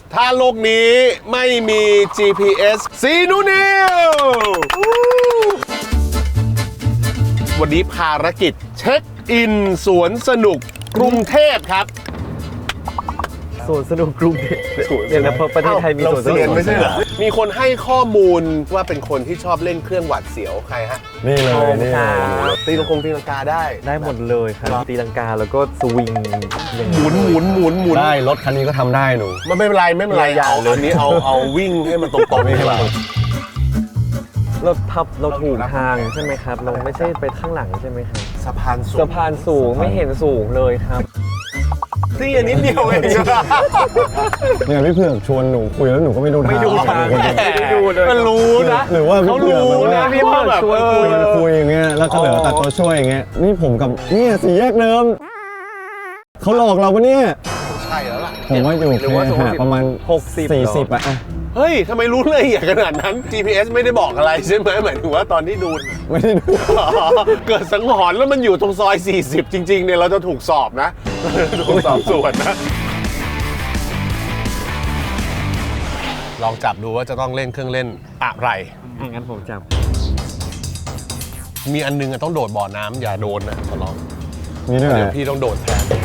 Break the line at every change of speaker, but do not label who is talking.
ถ้าโลกนี้ไม่มี GPS ซีนูนิววันนี้ภารกิจเช็คอินสวนสนุกกรุงเทพครับ
สวนสนุกกรุงเทพเดี๋ยวนะประเทศไทยมีสวนสนุก
ไม่ใช่เหรอมีคนให้ข้อมูลว่าเป็นคนที่ชอบเล่นเครื่องหวาดเสียวใครฮะ
นี่เลยนี่
ตีลังกาได้
ได้หมดเลยครับตีลังกาแล้วก็สวิงอย่าง
หมุนหมุนหมุนหมุน
ได้รถคันนี้ก็ทำได้หนู
มันไม่เป็นไรไม่เป็นไรเอาอันนี้เอาวิ่งให้มันตรงๆดีกว่า
เราถูกทางใช่ไหมครับ เราไม่ใช่ไปข้างหลังใช่ไหมครับ
สะพานสูง
สะพานสูงไม่เห็นสูงเลยครับ
นี่อันนี้เดียวเอง
เนี่ยพี่เผือกชวนหนูคุยแล้วหนูก็ไม่ดูทาง
ไม่ดูทาง
คนเดียว
ไม่ได้ดูเลย
มันรู้นะ
หรือว่าพี่
เขา
เผือก
รู้
แบบ
นะ
ว่า
พี่ว่าแบบ
คุยอย่างเงี้ยแล้วก็เหลือตัดตัวช่วยอย่างเงี้ยนี่ผมกับเนี่ยสี่แยกเดิมเขาหลอกเราปะเนี่ย
ใช่แล้วล่ะ
ผมว่าอยู่
หรือว่า
แค่หาประมาณ
60
40อะ
เฮ้ยทำไมรู้ละเอียดขนาดนั้น GPS ไม่ได้บอกอะไรใช่ไหมหมายถึงว่าตอนที่ดู
ไม่ได้ดู
อ๋อเกิดสังหรณ์แล้วมันอยู่ตรงซอย 40 จริงๆเนี่ยเราจะถูกสอบนะ ถูกสอบสวนนะ ลองจับดูว่าจะต้องเล่นเครื่องเล่นอะไร
งั้นผมจับ
มีอันนึงอะต้องโดดบ่อน้ำอย่าโดนนะขอร้อง
มีด้วยเหร
เดี๋ยว
อ
พี่ต้องโดดแทน